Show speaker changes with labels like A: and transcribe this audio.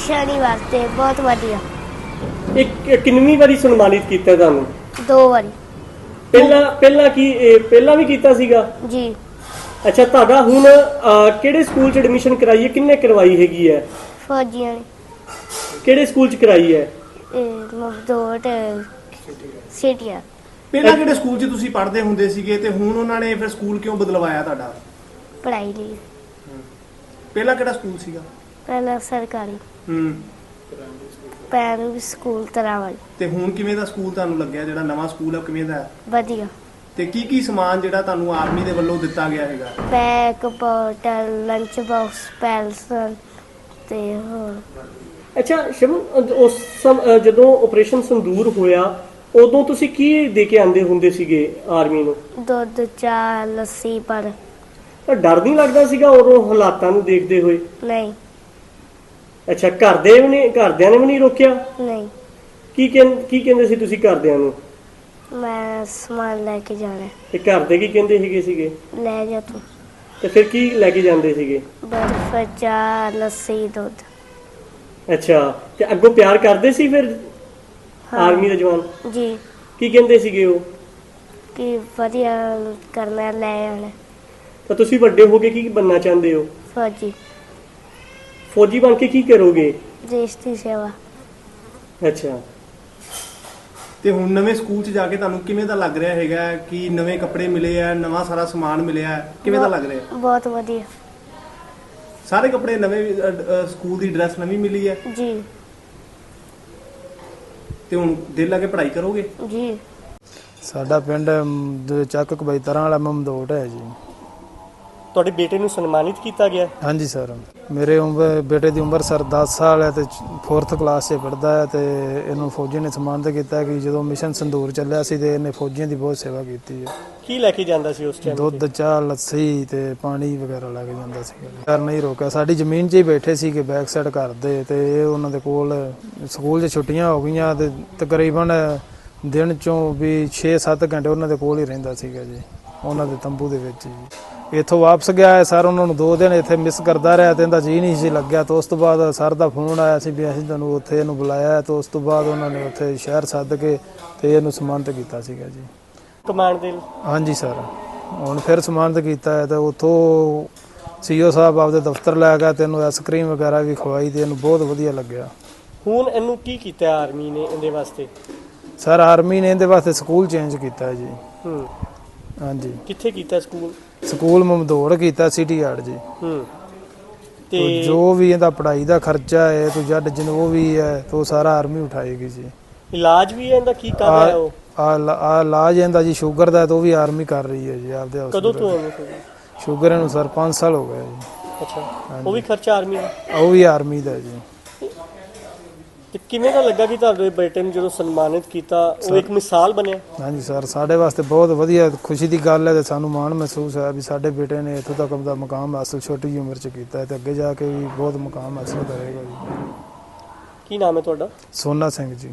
A: शनिवार से बहुत वधिया।
B: एक किन्नवीं वारी सन्मानित कीता ਤੁਹਾਨੂੰ
A: 2 बारी
B: ਪਹਿਲਾਂ ਵੀ ਕੀਤਾ ਸੀਗਾ
A: जी।
B: ਅੱਛਾ ਤੁਹਾਡਾ ਹੁਣ ਕਿਹੜੇ ਸਕੂਲ 'ਚ ਐਡਮਿਸ਼ਨ ਕਰਾਈ ਹੈ ਕਿੰਨੇ ਕਰਵਾਈ ਹੈਗੀ ਹੈ
A: फौजियां ने
B: ਕਿਹੜੇ ਸਕੂਲ 'ਚ ਕਰਾਈ ਹੈ
A: मजदूर सीटिया।
C: ਪਹਿਲਾਂ ਕਿਹੜੇ ਸਕੂਲ 'ਚ ਤੁਸੀਂ ਪੜ੍ਹਦੇ ਹੁੰਦੇ ਸੀਗੇ ਤੇ ਹੁਣ ਉਹਨਾਂ ਨੇ ਫਿਰ ਸਕੂਲ ਕਿਉਂ ਬਦਲਵਾਇਆ ਤੁਹਾਡਾ?
A: पढ़ाई ली
C: ਪਹਿਲਾਂ ਕਿਹੜਾ ਸਕੂਲ ਸੀਗਾ?
A: पहला सरकारी
C: ਹੂੰ।
A: प्राइमरी स्कूल तरावल
C: ਤੇ ਹੁਣ ਕਿਵੇਂ ਦਾ ਸਕੂਲ ਤੁਹਾਨੂੰ ਲੱਗਿਆ ਜਿਹੜਾ ਨਵਾਂ ਸਕੂਲ ਆ ਉਹ ਕਿਵੇਂ ਦਾ ਹੈ?
A: वधिया।
C: ਤੇ ਕੀ ਸਮਾਨ ਜਿਹੜਾ ਤੁਹਾਨੂੰ ਆਰਮੀ ਦੇ ਵੱਲੋਂ ਦਿੱਤਾ ਗਿਆ ਹੈਗਾ?
A: बैग बोतल लंच बॉक्स पेंसिल ते होर।
B: ਅੱਛਾ ਸ਼ਿਵਮ ਜਦੋਂ ਆਪਰੇਸ਼ਨ ਸੰਦੂਰ ਹੋਇਆ ਉਦੋਂ ਤੁਸੀਂ ਕੀ ਦੇ ਕੇ ਆਂਦੇ ਹੁੰਦੇ ਸੀਗੇ ਆਰਮੀ ਨੂੰ?
A: दूध चाह लस्सी पर
B: ਤਾਂ ਡਰ ਨਹੀਂ ਲੱਗਦਾ ਸੀਗਾ ਉਦੋਂ ਹਾਲਾਤਾਂ ਨੂੰ ਦੇਖਦੇ ਹੋਏ?
A: नहीं
B: ਅੱਛਾ ਘਰਦਿਆਂ ਨੇ ਵੀ ਨਹੀਂ ਰੋਕਿਆ?
A: नहीं
B: ਕੀ ਕਹਿੰਦੇ ਸੀ ਤੁਸੀਂ ਘਰਦਿਆਂ ਨੂੰ?
A: मैं सामान लेके जाना है।
B: ਤੇ ਘਰ ਦੇ ਕੀ ਕਹਿੰਦੇ ਸੀਗੇ?
A: ले जा तू
B: ਤੇ ਫਿਰ ਕੀ ਲੈ ਕੇ ਜਾਂਦੇ ਸੀਗੇ?
A: बर्फ चाह लस्सी दूध।
B: ਅੱਛਾ ਤੇ ਅੱਗੋਂ ਪਿਆਰ ਕਰਦੇ ਸੀ ਫਿਰ
A: हाँ
B: ਆਰਮੀ ਦੇ ਜਵਾਨ?
A: जी
B: ਕੀ ਕਹਿੰਦੇ ਸੀਗੇ ਉਹ?
A: कि वधिया करना ले आना
B: ਤਾਂ ਤੁਸੀਂ ਵੱਡੇ ਹੋ ਕੇ ਕੀ ਬਣਨਾ ਚਾਹੁੰਦੇ ਹੋ?
A: फौजी
B: ਫੌਜੀ ਬਣ ਕੇ ਕੀ ਕਰੋਗੇ?
A: देश की सेवा।
B: ਅੱਛਾ
C: ਤੇ ਹੁਣ ਨਵੇਂ ਸਕੂਲ 'ਚ ਜਾ ਕੇ ਤੁਹਾਨੂੰ ਕਿਵੇਂ ਦਾ ਲੱਗ ਰਿਹਾ ਹੈਗਾ ਕਿ ਨਵੇਂ ਕੱਪੜੇ ਮਿਲੇ ਆ, ਨਵਾਂ ਸਾਰਾ ਸਮਾਨ ਮਿਲਿਆ, ਕਿਵੇਂ ਦਾ ਲੱਗ ਰਿਹਾ?
A: बहुत वधिया
C: ਸਾਰੇ ਕੱਪੜੇ ਨਵੇਂ, ਸਕੂਲ ਦੀ ਡਰੈਸ ਨਵੀਂ ਮਿਲੀ ਹੈ
A: जी
C: ਤੇ ਹੁਣ ਦਿਲ ਲਾ ਕੇ ਪੜ੍ਹਾਈ ਕਰੋਗੇ?
A: जी।
D: ਸਾਡਾ ਪਿੰਡ ਚੱਕ ਕਬੈਤਰਾਂ ਵਾਲਾ ਮਮਦੋਟ ਹੈ ਜੀ।
B: ਤੁਹਾਡੇ ਬੇਟੇ ਨੂੰ ਸਨਮਾਨਿਤ ਕੀਤਾ ਗਿਆ?
D: ਹਾਂਜੀ ਸਰ, ਮੇਰੇ ਬੇਟੇ ਦੀ ਉਮਰ ਸਰ 10 ਸਾਲ ਹੈ ਤੇ 4th ਕਲਾਸ 'ਚ ਪੜ੍ਹਦਾ ਹੈ ਤੇ ਇਹਨੂੰ ਫੌਜੀ ਨੇ ਸਨਮਾਨਿਤ ਕੀਤਾ ਕਿ ਜਦੋਂ ਮਿਸ਼ਨ ਸੰਦੂਰ ਚੱਲਿਆ ਸੀ ਤੇ ਇਹਨੇ ਫੌਜੀਆਂ ਦੀ ਬਹੁਤ ਸੇਵਾ ਕੀਤੀ ਹੈ।
B: ਕੀ ਲੈ ਕੇ ਜਾਂਦਾ ਸੀ ਉਸ ਟਾਈਮ?
D: ਦੁੱਧ ਚਾਹ ਲੱਸੀ ਤੇ ਪਾਣੀ ਵਗੈਰਾ ਲੈ ਕੇ ਜਾਂਦਾ ਸੀ। ਘਰ ਨਹੀਂ ਰੋਕਿਆ, ਸਾਡੀ ਜ਼ਮੀਨ 'ਚ ਹੀ ਬੈਠੇ ਸੀ ਕਿ ਬੈਕ ਸਾਈਡ ਕਰਦੇ ਤੇ ਇਹ ਉਹਨਾਂ ਦੇ ਕੋਲ ਸਕੂਲ 'ਚ ਛੁੱਟੀਆਂ ਹੋ ਗਈਆਂ ਤੇ ਤਕਰੀਬਨ ਦਿਨ 'ਚੋਂ ਵੀ 6-7 ਘੰਟੇ ਉਹਨਾਂ ਦੇ ਕੋਲ ਹੀ ਰਹਿੰਦਾ ਸੀਗਾ ਜੀ, ਉਹਨਾਂ ਦੇ ਤੰਬੂ ਦੇ ਵਿੱਚ ਜੀ। ਇੱਥੋਂ ਵਾਪਸ ਗਿਆ ਹੈ ਸਰ, ਉਹਨਾਂ ਨੂੰ 2 ਦਿਨ ਇੱਥੇ ਮਿਸ ਕਰਦਾ ਰਿਹਾ ਤੇ ਇਹਦਾ ਜੀ ਨਹੀਂ ਸੀ ਲੱਗਿਆ। ਤੇ ਉਸ ਤੋਂ ਬਾਅਦ ਸਰ ਦਾ ਫੋਨ ਆਇਆ ਸੀ ਵੀ ਅਸੀਂ ਤੁਹਾਨੂੰ ਉੱਥੇ ਇਹਨੂੰ ਬੁਲਾਇਆ ਤੇ ਉਸ ਤੋਂ ਬਾਅਦ ਉਹਨਾਂ ਨੇ ਉੱਥੇ ਸ਼ਹਿਰ ਸੱਦ ਕੇ ਤੇ ਇਹਨੂੰ ਸਨਮਾਨਿਤ ਕੀਤਾ ਸੀਗਾ ਜੀ।
B: ਕਮਾਂਡ ਦੇ?
D: ਹਾਂਜੀ ਸਰ, ਹੁਣ ਫਿਰ ਸਨਮਾਨਿਤ ਕੀਤਾ ਹੈ ਤੇ ਉੱਥੋਂ ਸੀਓ ਸਾਹਿਬ ਆਪਦੇ ਦਫ਼ਤਰ ਲੈ ਗਿਆ ਤੇ ਇਹਨੂੰ ਆਈਸਕ੍ਰੀਮ ਵਗੈਰਾ ਵੀ ਖਵਾਈ ਤੇ ਇਹਨੂੰ ਬਹੁਤ ਵਧੀਆ ਲੱਗਿਆ।
B: ਹੁਣ ਇਹਨੂੰ ਕੀ ਕੀਤਾ ਆਰਮੀ ਨੇ ਇਹਦੇ ਵਾਸਤੇ?
D: ਸਰ ਆਰਮੀ ਨੇ ਇਹਦੇ ਵਾਸਤੇ ਸਕੂਲ ਚੇਂਜ ਕੀਤਾ ਹੈ ਜੀ।
B: ਹੂੰ।
D: ਹਾਂਜੀ,
B: ਕਿੱਥੇ ਕੀਤਾ ਸਕੂਲ?
D: ਸਕੂਲ ਮਮਦੋੜ ਕੀਤਾ, ਸਿਟੀ ਆਰਟ ਜੀ।
B: ਹੂੰ।
D: ਤੇ ਜੋ ਵੀ ਇਹਦਾ ਪੜ੍ਹਾਈ ਦਾ ਖਰਚਾ ਹੈ ਤੋਂ ਜੱਟ ਜੋ ਵੀ ਹੈ ਤੇ ਉਹ ਸਾਰਾ ਆਰਮੀ ਉਠਾਏਗੀ ਜੀ।
B: ਇਲਾਜ ਵੀ ਇਹਦਾ ਕੀ ਕਰ ਰਿਹਾ ਉਹ?
D: ਆ ਇਲਾਜ ਇਹਦਾ ਜੀ ਸ਼ੂਗਰ ਦਾ ਤੇ ਉਹ ਵੀ ਆਰਮੀ ਕਰ ਰਹੀ ਹੈ ਜੀ ਆਪਦੇ hospital।
B: ਕਦੋਂ ਤੋਂ ਹੈ
D: ਸ਼ੂਗਰ ਇਹਨੂੰ ਸਰ 5 ਸਾਲ ਹੋ ਗਏ ਜੀ।
B: ਅੱਛਾ, ਉਹ ਵੀ ਖਰਚਾ ਆਰਮੀ ਦਾ?
D: ਉਹ ਵੀ ਆਰਮੀ ਦਾ ਜੀ।
B: ਤੇ ਕਿਵੇਂ ਦਾ ਲੱਗਾ ਕਿ ਤੁਹਾਡੇ ਬੇਟੇ ਨੂੰ ਜਦੋਂ ਸਨਮਾਨਿਤ ਕੀਤਾ ਉਹ ਇੱਕ ਮਿਸਾਲ ਬਣਿਆ?
D: ਹਾਂਜੀ ਸਰ, ਸਾਡੇ ਵਾਸਤੇ ਬਹੁਤ ਵਧੀਆ ਖੁਸ਼ੀ ਦੀ ਗੱਲ ਹੈ ਤੇ ਸਾਨੂੰ ਮਾਣ ਮਹਿਸੂਸ ਹੋਇਆ ਵੀ ਸਾਡੇ ਬੇਟੇ ਨੇ ਇੱਥੋਂ ਤੱਕ ਦਾ ਮੁਕਾਮ ਹਾਸਲ ਛੋਟੀ ਜਿਹੀ ਉਮਰ 'ਚ ਕੀਤਾ ਹੈ ਤੇ ਅੱਗੇ ਜਾ ਕੇ ਵੀ ਬਹੁਤ ਮੁਕਾਮ ਹਾਸਲ ਕਰੇਗਾ ਜੀ।
B: ਕੀ ਨਾਮ ਹੈ ਤੁਹਾਡਾ?
D: ਸੋਨਾ ਸਿੰਘ ਜੀ।